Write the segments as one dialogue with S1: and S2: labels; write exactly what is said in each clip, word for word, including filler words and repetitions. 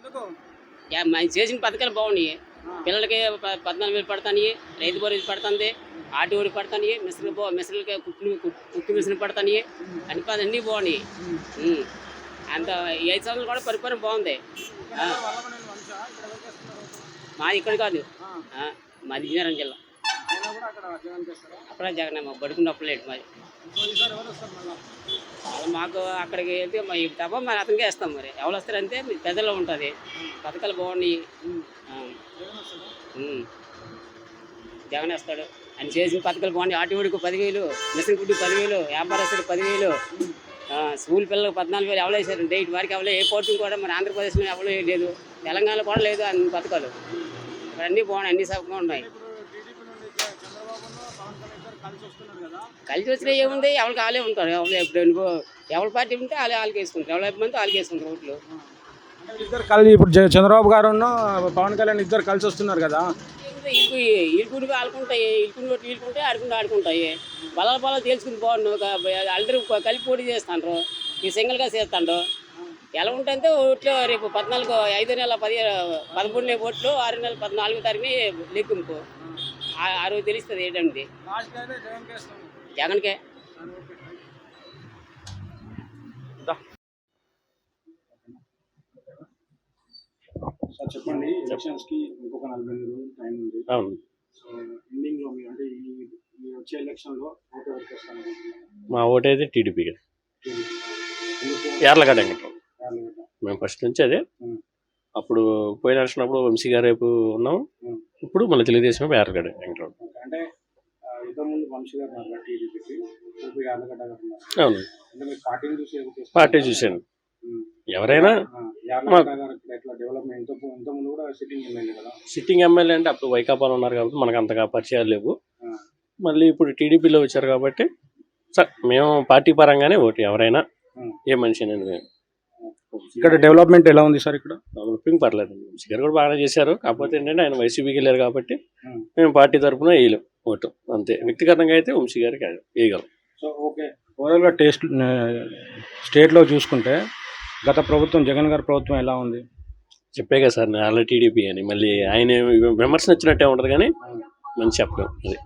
S1: మనం చేసిన పథకాలు బాగున్నాయి. పిల్లలకి పద్నాలుగు వేలు పడతాయి, రైతు భరోసా పడుతుంది, ఆటోడి పడతాయి, మిషన్లు బా మిషన్లకి కుట్లు కుట్టు మిషన్ పడతాయి, అన్ని అన్నీ బాగున్నాయి. అంత ఈ ఐదు సంవత్సరాలు కూడా పరిపాలన బాగుంది. మాది ఇక్కడ కాదు, మాది విజయనగరం జిల్లా. అప్పుడే జగన్ మాకు బడుకున్నప్పుడు లేదు మాది. మాకు అక్కడికి వెళ్తే మా తప్ప మరి అతనికే వేస్తాం. మరి ఎవరు వస్తారంటే మీ పెద్దలో ఉంటుంది. పథకాలు బాగున్నాయి. జగన్ వేస్తాడు. ఆయన చేసిన పథకాలు బాగున్నాయి. ఆటోడికి పదివేలు, మిషన్ గుడ్డు పదివేలు, వ్యాపారస్తుడు పదివేలు, స్కూల్ పిల్లలకు పద్నాలుగు వేలు ఎవరు వేసారు. డేట్ వారికి ఎవరో ఏ పోర్టు కూడా మన ఆంధ్రప్రదేశ్లో ఎవరో లేదు, తెలంగాణలో కూడా లేదు అన్ని పథకాలు. ఇక్కడ అన్నీ బాగున్నాయి, అన్ని సౌకర్యంగా ఉన్నాయి. కలిసి వచ్చినా ఏముంది, ఎవరికి వాళ్ళే ఉంటారు. ఎవరు ఎప్పుడు ఎవరి పార్టీ ఉంటే వాళ్ళు వాళ్ళకి వేసుకుంటారు, ఎవరి మంది వాళ్ళకి వేసుకుంటారు ఓట్లు.
S2: ఇద్దరు కలిసి ఇప్పుడు చంద్రబాబు గారు పవన్ కళ్యాణ్ ఇద్దరు కలిసి వస్తున్నారు కదా.
S1: ఇల్లు ఇల్లుకుని ఆడుకుంటాయి, ఇల్లుకుని ఓట్లు ఇల్లుకుంటే ఆడుకుంటూ ఆడుకుంటాయి. బలాల బలాలు తేల్చుకుని బాగుండు. అందరూ కలిపి పోటీ చేస్తాండ్రు, ఈ సింగిల్గా చేస్తాండ్రు. ఎలా ఉంటుందంటే ఓట్లు రేపు పద్నాలుగు ఐదు నెలల పది పదమూడు ఓట్లు ఆరు నెలల పద్నాలుగో తారీఖుని లెక్కింపు. ఆ రోజు తెలుస్తుంది ఏంటండి. జగన్కే.
S2: సార్ చెప్పండి, ఎలక్షన్స్ కి ఇంకొక నలభై రోజులు టైం ఉంది.
S3: అవును.
S2: సో ఎండింగ్ లో అంటే ఈ వచ్చే ఎలక్షన్ లో ఓటు ఎవరికి వస్తాను?
S3: మా ఓటు అయితే టీడీపీ. యార్లగడ్డ వెంకట్రావు. మేము ఫస్ట్ నుంచి అదే. అప్పుడు పోయిన వచ్చినప్పుడు వంశీ గారు రేపు ఉన్నాం, ఇప్పుడు మళ్ళీ తెలుగుదేశం యార్లగడ్డ వెంకట్రావు.
S2: అంటే ఇంతకుముందు వంశీ గారు టీడీపీకి, యార్లగడ్డ గారు.
S3: అవును,
S2: పార్టీని చూసి
S3: పార్టీ చూశాను. ఎవరైనా సిట్టింగ్ ఎమ్మెల్యే అంటే అప్పుడు వైకాపాలో ఉన్నారు కాబట్టి మనకు అంతగా పరిచయాలు లేవు. మళ్ళీ ఇప్పుడు టీడీపీలో వచ్చారు కాబట్టి సార్ మేము పార్టీ పరంగానే ఓటు. ఎవరైనా ఏ మనిషి అనేది.
S2: ఇక్కడ డెవలప్మెంట్ ఎలా ఉంది సార్? ఇక్కడ
S3: డెవలపింగ్ పర్లేదు. వంశీ గారు కూడా బాగానే చేశారు. కాకపోతే ఏంటంటే ఆయన వైసీపీకి వెళ్ళారు కాబట్టి మేము పార్టీ తరఫున వేయలేం ఓటు, అంతే. వ్యక్తిగతంగా అయితే వంశీ గారికి వేయగలం.
S2: సో ఓకే, ఓవరాల్గా టేస్ట్ స్టేట్లో చూసుకుంటే గత ప్రభుత్వం జగన్ గారి ప్రభుత్వం ఎలా ఉంది?
S3: చెప్పే కదా సార్ నేను ఆల్రెడీ టీడీపీ అని. మళ్ళీ ఆయన విమర్శన వచ్చినట్టే ఉంటుంది కానీ మంచి చెప్పడం అది.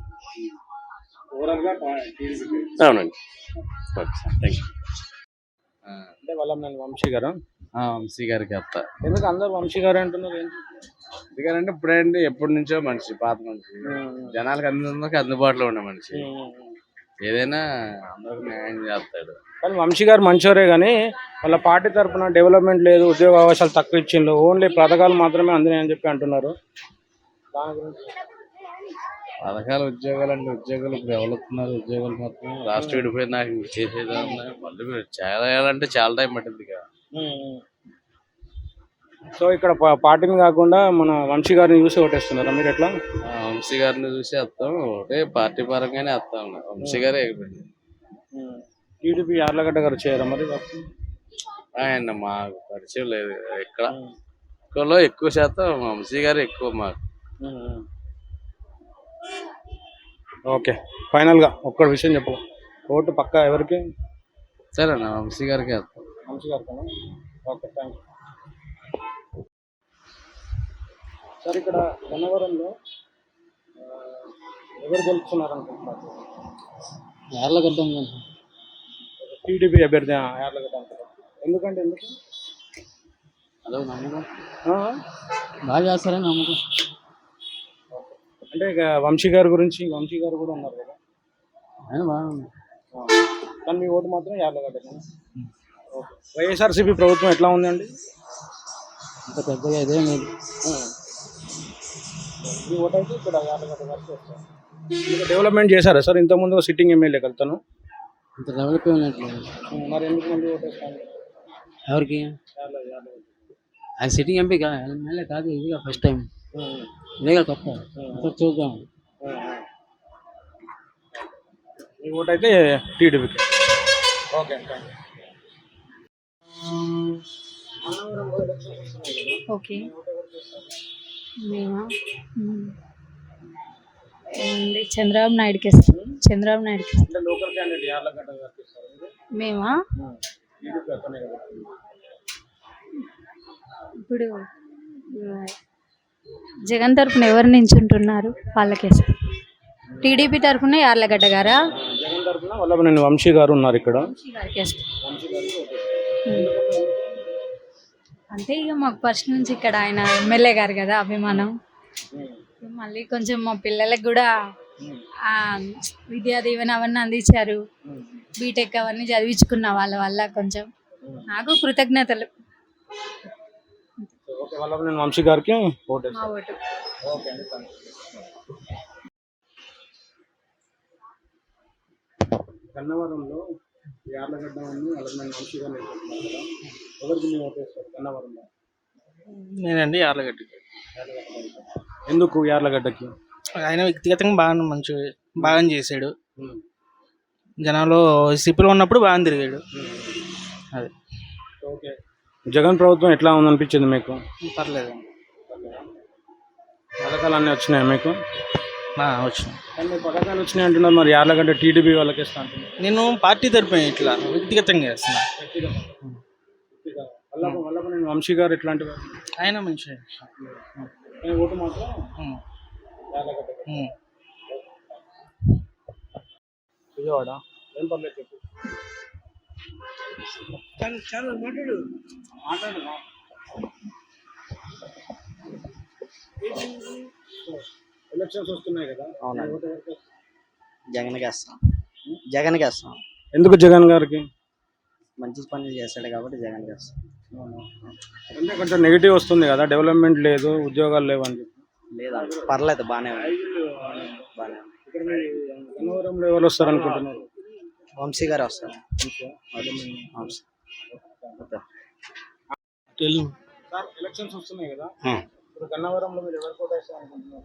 S3: అవునండి. Okay sir, thank you.
S2: అంటే వాళ్ళ నేను వంశీ గారు
S4: వంశీ గారికి వస్తా.
S2: ఎందుకు అందరు వంశీ గారు అంటున్నారు?
S4: ఎందుకంటే ఇప్పుడేంటి ఎప్పటి నుంచో మనిషి, పాత మనిషి, జనాలకు అందరికి అందుబాటులో ఉండే మనిషి, ఏదైనా అందరికి న్యాయం చేస్తాడు.
S2: కానీ వంశీ గారు మంచివారే కానీ వాళ్ళ పార్టీ తరఫున డెవలప్మెంట్ లేదు, ఉద్యోగ అవకాశాలు తక్కువ ఇచ్చిండ్రు, ఓన్లీ పథకాలు మాత్రమే అందినాయి అని చెప్పి అంటున్నారు. దాని గురించి
S4: పథకాలు ఉద్యోగాలు అంటే ఉద్యోగాలు ఇప్పుడు ఎవరుతున్నారు? ఉద్యోగాలు మాత్రం రాష్ట్రం విడిపోయింది, నాకు చేసేది మళ్ళీ చాలా వేయాలంటే చాలా టైం పట్టింది కదా.
S2: సో ఇక్కడ పార్టీని కాకుండా మన వంశీ గారిని చూసి ఓటేస్తున్నారా మీరు? ఎట్లా?
S4: వంశీ గారిని చూసి వస్తాం, ఒకటే పార్టీ పరంగానే వస్తాం. వంశీ గారే అయిపోయింది.
S2: టీడీపీ యార్లగడ్డ గారు చేయరా మరి?
S4: ఆయన మాకు పరిచయం లేదు. ఇక్కడ ఎక్కువలో ఎక్కువ శాతం వంశీ గారు ఎక్కువ మాకు.
S2: ఓకే, ఫైనల్గా ఒక్క విషయం చెప్పు, ఓటు పక్కా ఎవరికి?
S4: సరే అన్న, వంశీ గారికి వస్తాం.
S2: వంశీ గారికి. Okay, thank you sir. ఇక్కడ గన్నవరంలో ఎవరు గెలుస్తున్నారు అనుకుంటున్నారు?
S1: యార్లగడ్డ
S2: టీడీపీ అభ్యర్థి యార్లగడ్డ అంటారు. ఎందుకంటే ఎందుకు?
S1: అదో నమ్మకం, బాగా చేస్తారని నమ్మకం.
S2: అంటే ఇక వంశీ గారి గురించి, వంశీ గారు కూడా ఉన్నారు కదా,
S1: ఆయన బాగుంది.
S2: కానీ మీ ఓటు మాత్రం యార్లగడ్డ. ఓకే, వైఎస్ఆర్సీపీ ప్రభుత్వం ఎట్లా ఉందండి?
S1: అంత పెద్దగా ఇదేం లేదు.
S2: మీ ఓటు అయితే ఇక్కడ యార్లగడ్డ గారికి వస్తారు. ఇంకా డెవలప్మెంట్ చేశారా సార్? ఇంతకుముందు సిట్టింగ్ ఎమ్మెల్యే కలుతాను,
S1: ఇంత డెవలప్ అయినట్లేదు.
S2: మరి ఎందుకు మంది ఓటేస్తాను?
S1: ఎవరికి? ఆయన సిట్టింగ్ ఎంపీ ఎమ్మెల్యే కాదు, ఇదిగా ఫస్ట్ టైం, ఇదేగా కొత్త. చూద్దాం.
S2: మీ ఓటు అయితే టీడీపీకి. Okay,
S5: okay. మేమా ఏముంది, చంద్రబాబు నాయుడుకి ఇస్తాం. చంద్రబాబు నాయుడుకి ఇస్తాం.
S2: లోకల్ క్యాండిడేట్ యార్లగడ్డ గారికి ఇస్తారు.
S5: మేమా ఇప్పుడు ఆ, జగన్ తరపున ఎవరు నించుంటున్నారు వాళ్ళకే సార్. టీడీపీ తరపున యార్లగడ్డ గారా?
S2: జగన్ తరఫున వల్లభనేని వంశీ గారు ఉన్నారు ఇక్కడ.
S5: వంశీ గారికే సార్. అంటే ఇక మాకు ఫస్ట్ నుంచి ఇక్కడ ఆయన ఎమ్మెల్యే గారు కదా అభిమానం. మళ్ళీ కొంచెం మా పిల్లలకు కూడా ఆ విద్యా దీవెన అవన్నీ అందించారు. బీటెక్ అవన్నీ చదివించుకున్న వాళ్ళ వల్ల కొంచెం నాకు కృతజ్ఞతలు.
S2: ఓకే, వల్లభనేని వంశీ గారికి ఓటు
S5: మా ఓటు.
S2: ఓకే అండి, థాంక్స్. గన్నవరంలో యార్లగడ్డ అని వల్లభనేని వంశీ గారు నిలబడుతున్నారు కదా, ఎవరికి మీరు ఓటు వేస్తారు గన్నవరంలో?
S6: నేనండి యార్లగడ్డకి.
S2: ఎందుకు యార్లగడ్డకి?
S6: ఆయన వ్యక్తిగతంగా బాగా మంచి బాగా చేశాడు. జనాల్లో సిపిలో ఉన్నప్పుడు బాగా తిరిగాడు. అదే
S2: ఓకే, జగన్ ప్రభుత్వం ఎట్లా ఉందనిపించింది మీకు?
S6: పర్లేదు,
S2: పథకాలు అన్నీ వచ్చినాయి మీకు?
S6: వచ్చిన
S2: కానీ మీరు పథకాలు వచ్చినాయి అంటున్నారు, మరి యార్లగడ్డ టీడీపీ వాళ్ళకి ఇస్తా అంటున్నారు.
S6: నేను పార్టీ తరపున ఇట్లా వ్యక్తిగతంగా చేస్తున్నా.
S2: వల్లభ వల్లభనేని వంశీ గారు ఎట్లాంటి వారు?
S6: ఆయన మంచి
S2: కానీ ఓటు మాత్రం యార్లగడ్డ. విజయవాడ ఏం పర్లేదు చెప్పు. మాట్లాడు. ఎలక్షన్స్ వస్తున్నాయి కదా,
S7: అవునండి.
S2: ఓటు ఎవరికి వేస్తారు?
S7: జగన్కి వేస్తాం. జగన్కి వేస్తాం.
S2: ఎందుకు జగన్ గారికి?
S7: మంచి పనులు చేస్తాడు కాబట్టి జగన్కి వేస్తాం.
S2: అంటే కొంచెం నెగిటివ్ వస్తుంది కదా, డెవలప్మెంట్ లేదు, ఉద్యోగాలు లేవు అని చెప్పి.
S7: లేదా పర్లేదు, బాగానే ఉంది. బాగానే ఉంది.
S2: ఇక్కడ మీరు గన్నవరంలో ఎవరు వస్తారు అనుకుంటున్నారు?
S7: వంశీ గారు వస్తారు. వంశీ.
S2: సార్, ఎలక్షన్స్ వస్తున్నాయి కదా, ఇప్పుడు గన్నవరంలో మీరు ఎవరు కూడా వేస్తారు అనుకుంటున్నారు?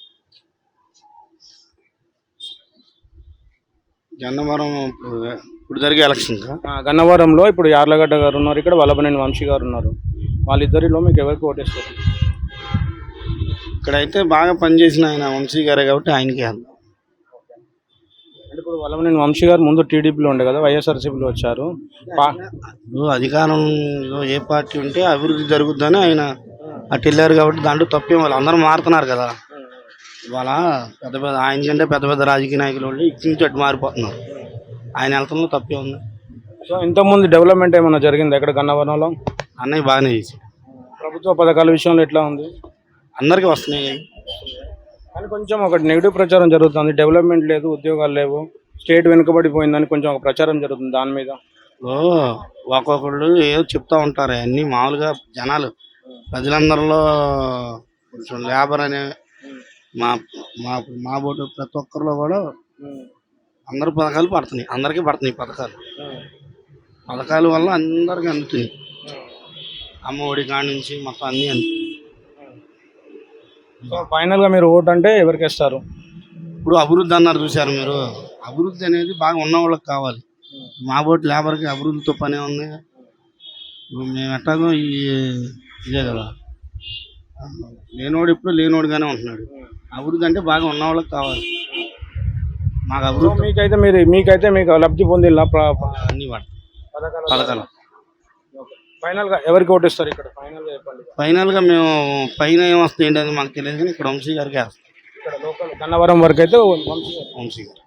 S8: గన్నవరం ఇప్పుడు జరిగే ఎలక్షన్
S2: ఆ, గన్నవరంలో ఇప్పుడు యార్లగడ్డ గారు ఉన్నారు, ఇక్కడ వల్లభనేని వంశీ గారు ఉన్నారు. వాళ్ళిద్దరిలో మీకు ఎవరికి ఓటేస్తారు?
S8: ఇక్కడైతే బాగా పనిచేసిన ఆయన వంశీ గారే కాబట్టి ఆయనకి వేద్దాం.
S2: అంటే ఇప్పుడు వల్లభనేని వంశీ గారు ముందు టీడీపీలో ఉండే కదా, వైఎస్ఆర్సీపీలో వచ్చారు. పా-
S8: ఇప్పుడు అధికారంలో ఏ పార్టీ ఉంటే అభివృద్ధి జరుగుద్దని ఆయన అటు వెళ్ళారు కాబట్టి దాంట్లో తప్పేం, వాళ్ళు అందరూ మారుతున్నారు కదా. ఇవాళ పెద్ద పెద్ద ఆయన కంటే పెద్ద పెద్ద రాజకీయ నాయకులు వాళ్ళు ఇటు నుంచి అటు మారిపోతున్నారు. ఆయన వెళ్తున్నా తప్పే ఉంది.
S2: సో ఇంతకుముందు డెవలప్మెంట్ ఏమైనా జరిగింది ఎక్కడ గన్నవరంలో?
S8: అన్నయ్య బాగానే చేశాడు.
S2: ప్రభుత్వ పథకాల విషయంలో ఎట్లా ఉంది?
S8: అందరికీ వస్తున్నాయి.
S2: కానీ కొంచెం ఒకటి నెగిటివ్ ప్రచారం జరుగుతుంది, డెవలప్మెంట్ లేదు, ఉద్యోగాలు లేవు, స్టేట్ వెనుకబడిపోయిందని కొంచెం ఒక ప్రచారం జరుగుతుంది దాని మీద.
S8: ఓ ఒక్కొక్కళ్ళు ఏదో చెప్తా ఉంటారు. అన్నీ మామూలుగా జనాలు ప్రజలందరిలో కొంచెం లేబర్ అనే మా మా మా బోటు ప్రతి ఒక్కరిలో కూడా అందరు పథకాలు పడుతున్నాయి. అందరికీ పడుతున్నాయి పథకాలు. పథకాల వల్ల అందరికీ అందుతున్నాయి. అమ్మ ఒడి కాడి నుంచి మొత్తం అన్నీ అందుతాయి.
S2: సో ఫైనల్ గా మీరు ఓటు అంటే ఎవరికి ఇస్తారు?
S8: ఇప్పుడు అభివృద్ధి అన్నారు చూసారు మీరు. అభివృద్ధి అనేది బాగా ఉన్న వాళ్ళకి కావాలి. మా బోటు లేబర్కి అభివృద్ధితో పనే ఉంది. ఇప్పుడు మేము ఎట్టాగో ఈ ఇదే కదా, లేనోడు ఇప్పుడు లేనోడుగానే ఉంటున్నాడు. అభివృద్ధి అంటే బాగా ఉన్న వాళ్ళకి కావాలి. మాకు
S2: సో
S8: అభివృద్ధి
S2: మీకైతే మీరు మీకైతే మీకు లబ్ధి పొందిల్లా
S8: అన్నీ పడతాయి పథకాలు.
S2: ఫైనల్ గా ఎవరికి ఓటు ఇస్తారు ఇక్కడ? ఫైనల్ గా చెప్పండి.
S8: ఫైనల్గా మేము పైన ఏమొస్తుంది ఏంటి అది మాకు తెలియదు, కానీ ఇక్కడ వంశీ గారికి వేస్తాం.
S2: ఇక్కడ లోకల్ గన్నవరం వరకు అయితే వంశీ గారు.
S8: వంశీ గారు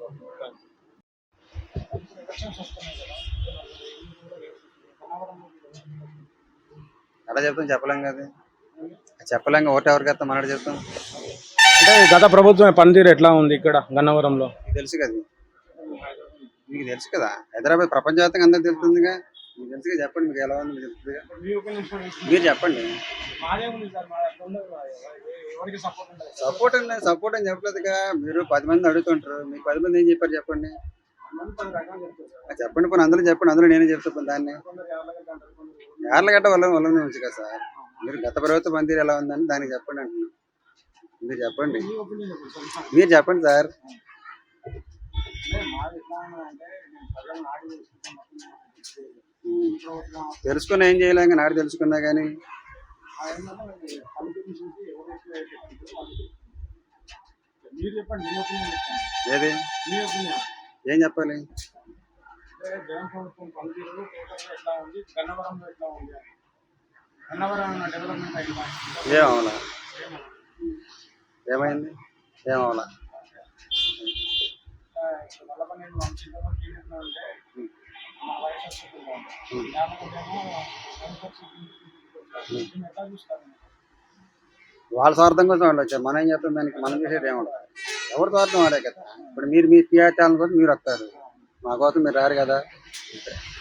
S9: ఎలా చెప్తాం? చెప్పలేం కదా, చెప్పలేం. ఓటు ఎవరికి వేస్తాం మనడు చెప్తాం.
S2: అంటే గత ప్రభుత్వం పనితీరు ఎట్లా ఉంది ఇక్కడ గన్నవరంలో?
S9: మీకు తెలుసు కదా, మీకు తెలుసు కదా, హైదరాబాద్ ప్రపంచవ్యాప్తంగా అందరికి తెలుస్తుందిగా. మీకు తెలుసుగా, చెప్పండి మీకు ఎలా ఉంది మీకు తెలుస్తుందిగా. మీరు చెప్పండి. సపోర్ట్ అండి, సపోర్ట్ అని చెప్పలేదుగా. మీరు పది మంది అడుగుతుంటారు, మీకు పది మంది ఏం చెప్పారు చెప్పండి. చెప్పండి పోనీ అందులో చెప్పండి, అందులో నేనే చెప్తాను దాన్ని. యార్లగడ్డ వల్ల వల్ల నుంచి కదా సార్. మీరు గత ప్రభుత్వ పనితీరు ఎలా ఉందని దానికి చెప్పండి అంటున్నాను. మీరు చెప్పండి, మీరు చెప్పండి సార్. తెలుసుకున్నా ఏం చేయలేం, నాడు తెలుసుకున్నా కానీ ఏది ఏం చెప్పాలి?
S2: అన్నవరం డెవలప్మెంట్ అయిందా?
S9: ఏం అవలా ఏమైంది ఏం అవలా
S2: వల్లభనేని వంశీలో టీడీపీలో ఉంటే మా వయసు వస్తుంది జ్ఞాపకమేమో ఎట్లా చూస్తారు?
S9: వాళ్ళ స్వార్థం కోసం వాళ్ళు వచ్చారు. మనం ఏం చేస్తాం దానికి? మనం చేసేది ఏముండదు. ఎవరి స్వార్థం వాడే కదా. ఇప్పుడు మీరు మీ టీఆర్ ఛానల్ కోసం మీరు వస్తారు, మా కోసం మీరు రారు కదా.